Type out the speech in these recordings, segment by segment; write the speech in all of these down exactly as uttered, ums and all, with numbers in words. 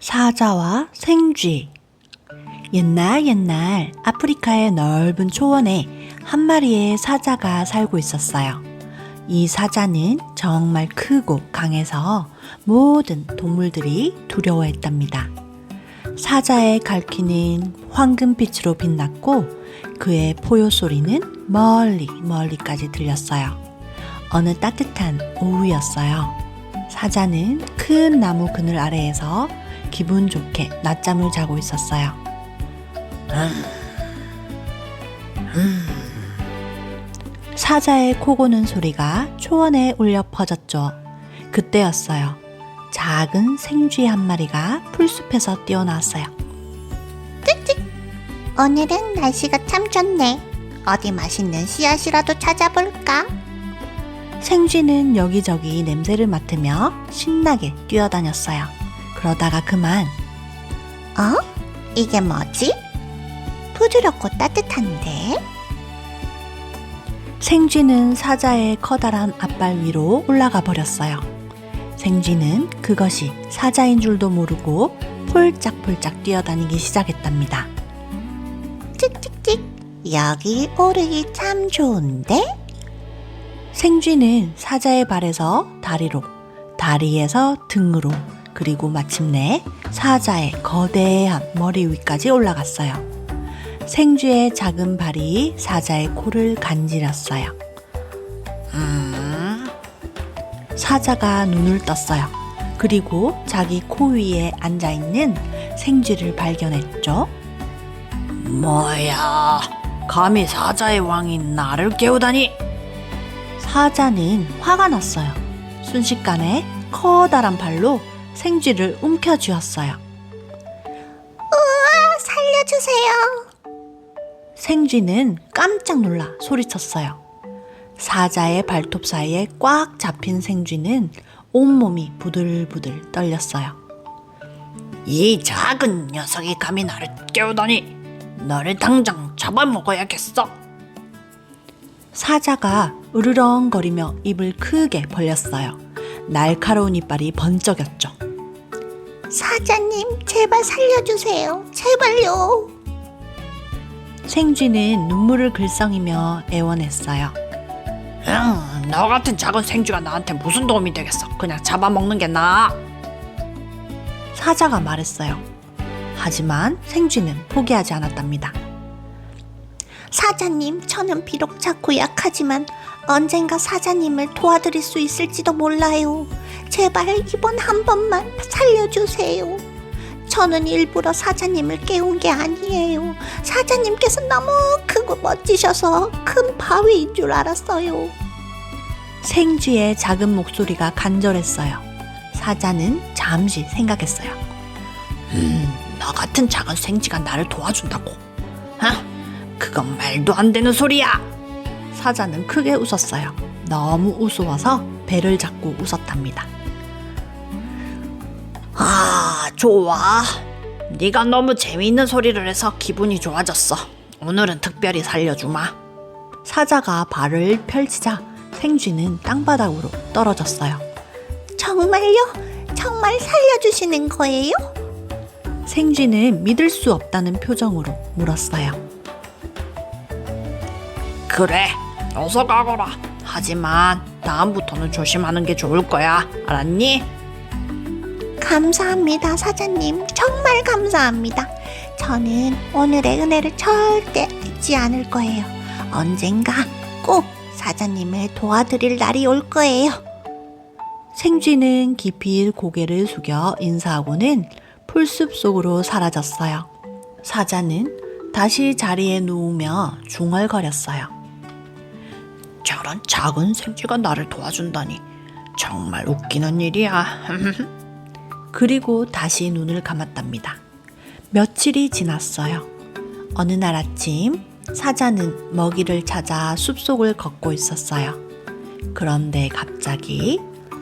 사자와 생쥐. 옛날 옛날 아프리카의 넓은 초원에 한 마리의 사자가 살고 있었어요. 이 사자는 정말 크고 강해서 모든 동물들이 두려워했답니다. 사자의 갈퀴는 황금빛으로 빛났고 그의 포효 소리는 멀리 멀리까지 들렸어요. 어느 따뜻한 오후였어요. 사자는 큰 나무 그늘 아래에서 기분 좋게 낮잠을 자고 있었어요. 음, 음. 사자의 코 고는 소리가 초원에 울려 퍼졌죠. 그때였어요. 작은 생쥐 한 마리가 풀숲에서 뛰어나왔어요. 찌찌! 오늘은 날씨가 참 좋네. 어디 맛있는 씨앗이라도 찾아볼까? 생쥐는 여기저기 냄새를 맡으며 신나게 뛰어다녔어요. 그러다가 그만. 어? 이게 뭐지? 부드럽고 따뜻한데? 생쥐는 사자의 커다란 앞발 위로 올라가 버렸어요. 생쥐는 그것이 사자인 줄도 모르고 폴짝폴짝 뛰어다니기 시작했답니다. 찍찍찍! 여기 오르기 참 좋은데? 생쥐는 사자의 발에서 다리로, 다리에서 등으로, 그리고 마침내 사자의 거대한 머리 위까지 올라갔어요. 생쥐의 작은 발이 사자의 코를 간지렸어요. 음... 사자가 눈을 떴어요. 그리고 자기 코 위에 앉아있는 생쥐를 발견했죠. 뭐야, 감히 사자의 왕인 나를 깨우다니! 사자는 화가 났어요. 순식간에 커다란 발로 생쥐를 움켜쥐었어요. 우와, 살려주세요. 생쥐는 깜짝 놀라 소리쳤어요. 사자의 발톱 사이에 꽉 잡힌 생쥐는 온몸이 부들부들 떨렸어요. 이 작은 녀석이 감히 나를 깨우다니! 너를 당장 잡아먹어야겠어! 사자가 으르렁거리며 입을 크게 벌렸어요. 날카로운 이빨이 번쩍였죠. 사자님, 제발 살려주세요. 제발요. 생쥐는 눈물을 글썽이며 애원했어요. 응, 너 같은 작은 생쥐가 나한테 무슨 도움이 되겠어. 그냥 잡아먹는 게 나아. 사자가 말했어요. 하지만 생쥐는 포기하지 않았답니다. 사자님, 저는 비록 작고 약하지만 언젠가 사자님을 도와드릴 수 있을지도 몰라요. 제발 이번 한 번만 살려주세요. 저는 일부러 사자님을 깨운 게 아니에요. 사자님께서 너무 크고 멋지셔서 큰 바위인 줄 알았어요. 생쥐의 작은 목소리가 간절했어요. 사자는 잠시 생각했어요. 음, 너 같은 작은 생쥐가 나를 도와준다고? 어? 그건 말도 안 되는 소리야! 사자는 크게 웃었어요. 너무 우스워서 배를 잡고 웃었답니다. 아, 좋아. 네가 너무 재미있는 소리를 해서 기분이 좋아졌어. 오늘은 특별히 살려주마. 사자가 발을 펼치자 생쥐는 땅바닥으로 떨어졌어요. 정말요? 정말 살려주시는 거예요? 생쥐는 믿을 수 없다는 표정으로 물었어요. 그래, 어서 가거라. 하지만 다음부터는 조심하는 게 좋을 거야. 알았니? 감사합니다, 사자님. 정말 감사합니다. 저는 오늘의 은혜를 절대 잊지 않을 거예요. 언젠가 꼭 사자님을 도와드릴 날이 올 거예요. 생쥐는 깊이 고개를 숙여 인사하고는 풀숲 속으로 사라졌어요. 사자는 다시 자리에 누우며 중얼거렸어요. 저런 작은 생쥐가 나를 도와준다니 정말 웃기는 일이야. 그리고 다시 눈을 감았답니다. 며칠이 지났어요. 어느 날 아침 사자는 먹이를 찾아 숲속을 걷고 있었어요. 그런데 갑자기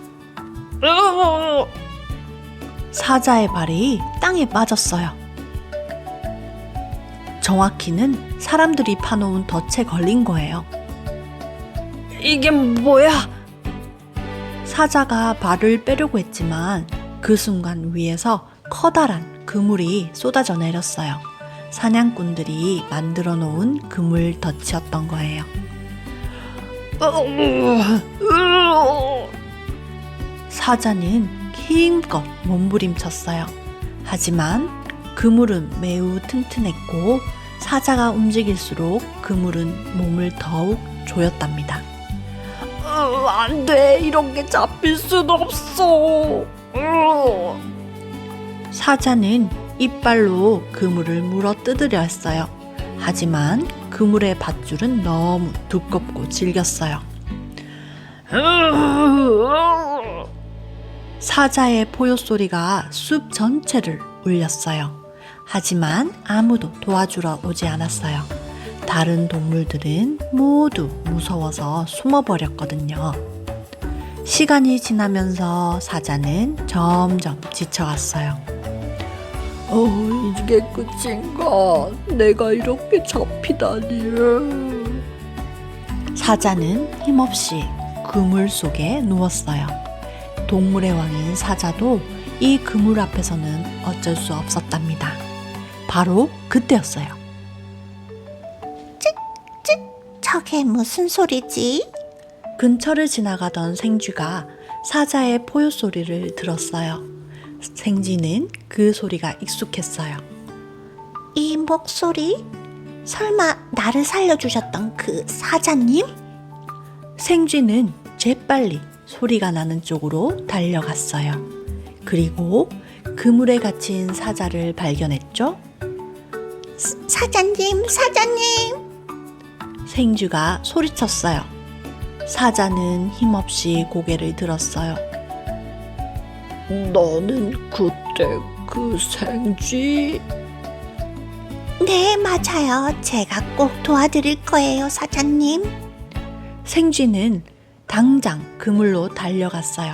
사자의 발이 땅에 빠졌어요. 정확히는 사람들이 파놓은 덫에 걸린 거예요. 이게 뭐야? 사자가 발을 빼려고 했지만 그 순간 위에서 커다란 그물이 쏟아져 내렸어요. 사냥꾼들이 만들어 놓은 그물 덫이었던 거예요. 사자는 힘껏 몸부림쳤어요. 하지만 그물은 매우 튼튼했고 사자가 움직일수록 그물은 몸을 더욱 조였답니다. 어, 안 돼. 이렇게 잡힐 순 없어. 어. 사자는 이빨로 그물을 물어 뜯으려 했어요. 하지만 그물의 밧줄은 너무 두껍고 질겼어요. 사자의 포효 소리가 숲 전체를 울렸어요. 하지만 아무도 도와주러 오지 않았어요. 다른 동물들은 모두 무서워서 숨어버렸거든요. 시간이 지나면서 사자는 점점 지쳐갔어요. 어, 이게 끝인가? 내가 이렇게 잡히다니. 사자는 힘없이 그물 속에 누웠어요. 동물의 왕인 사자도 이 그물 앞에서는 어쩔 수 없었답니다. 바로 그때였어요. 저게 무슨 소리지? 근처를 지나가던 생쥐가 사자의 포효 소리를 들었어요. 생쥐는 그 소리가 익숙했어요. 이 목소리? 설마 나를 살려주셨던 그 사자님? 생쥐는 재빨리 소리가 나는 쪽으로 달려갔어요. 그리고 그물에 갇힌 사자를 발견했죠? 사, 사자님, 사자님! 생쥐가 소리쳤어요. 사자는 힘없이 고개를 들었어요. 너는 그때 그 생쥐? 네, 맞아요. 제가 꼭 도와드릴 거예요, 사자님. 생쥐는 당장 그물로 달려갔어요.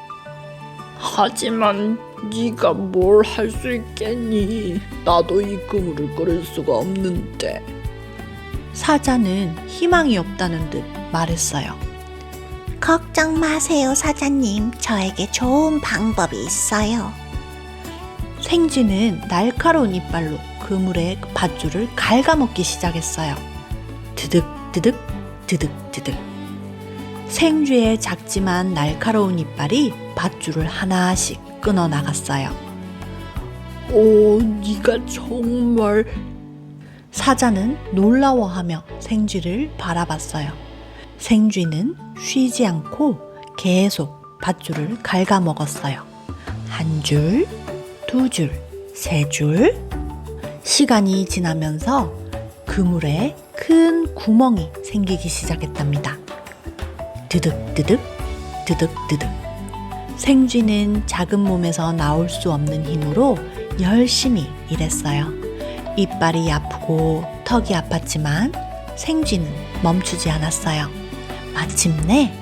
하지만 네가 뭘 할 수 있겠니? 나도 이 그물을 끓일 수가 없는데. 사자는 희망이 없다는 듯 말했어요. 걱정 마세요, 사자님. 저에게 좋은 방법이 있어요. 생쥐는 날카로운 이빨로 그물의 밧줄을 갉아먹기 시작했어요. 드득드득 드득드득. 생쥐의 작지만 날카로운 이빨이 밧줄을 하나씩 끊어 나갔어요. 오, 네가 정말... 사자는 놀라워하며 생쥐를 바라봤어요. 생쥐는 쉬지 않고 계속 밧줄을 갉아먹었어요. 한 줄, 두 줄, 세 줄. 시간이 지나면서 그물에 큰 구멍이 생기기 시작했답니다. 드득드득, 드득드득. 생쥐는 작은 몸에서 나올 수 없는 힘으로 열심히 일했어요. 이빨이 아프고 턱이 아팠지만 생쥐는 멈추지 않았어요. 마침내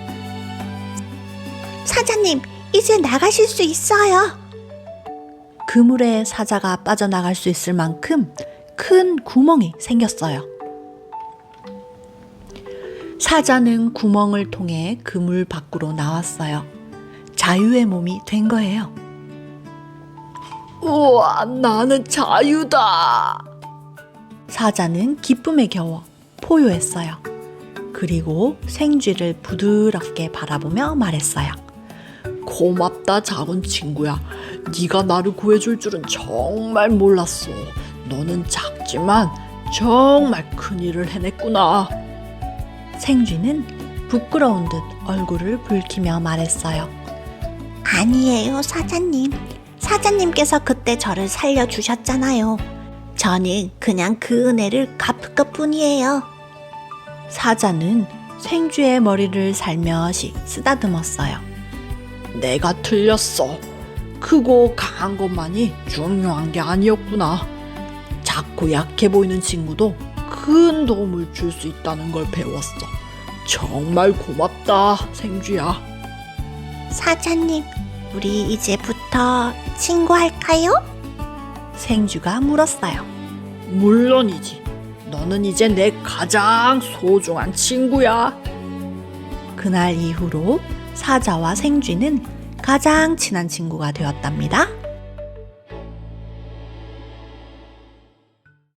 사자님, 이제 나가실 수 있어요. 그물에 사자가 빠져나갈 수 있을 만큼 큰 구멍이 생겼어요. 사자는 구멍을 통해 그물 밖으로 나왔어요. 자유의 몸이 된 거예요. 우와, 나는 자유다! 사자는 기쁨에 겨워 포효했어요. 그리고 생쥐를 부드럽게 바라보며 말했어요. 고맙다, 작은 친구야. 네가 나를 구해줄 줄은 정말 몰랐어. 너는 작지만 정말 큰일을 해냈구나. 생쥐는 부끄러운 듯 얼굴을 붉히며 말했어요. 아니에요, 사자님. 사자님께서 그때 저를 살려주셨잖아요. 저는 그냥 그 은혜를 갚을 것뿐이에요. 사자는 생쥐의 머리를 살며시 쓰다듬었어요. 내가 틀렸어. 크고 강한 것만이 중요한 게 아니었구나. 작고 약해 보이는 친구도 큰 도움을 줄 수 있다는 걸 배웠어. 정말 고맙다, 생쥐야. 사자님, 우리 이제부터 친구할까요? 생쥐가 물었어요. 물론이지. 너는 이제 내 가장 소중한 친구야. 그날 이후로 사자와 생쥐는 가장 친한 친구가 되었답니다.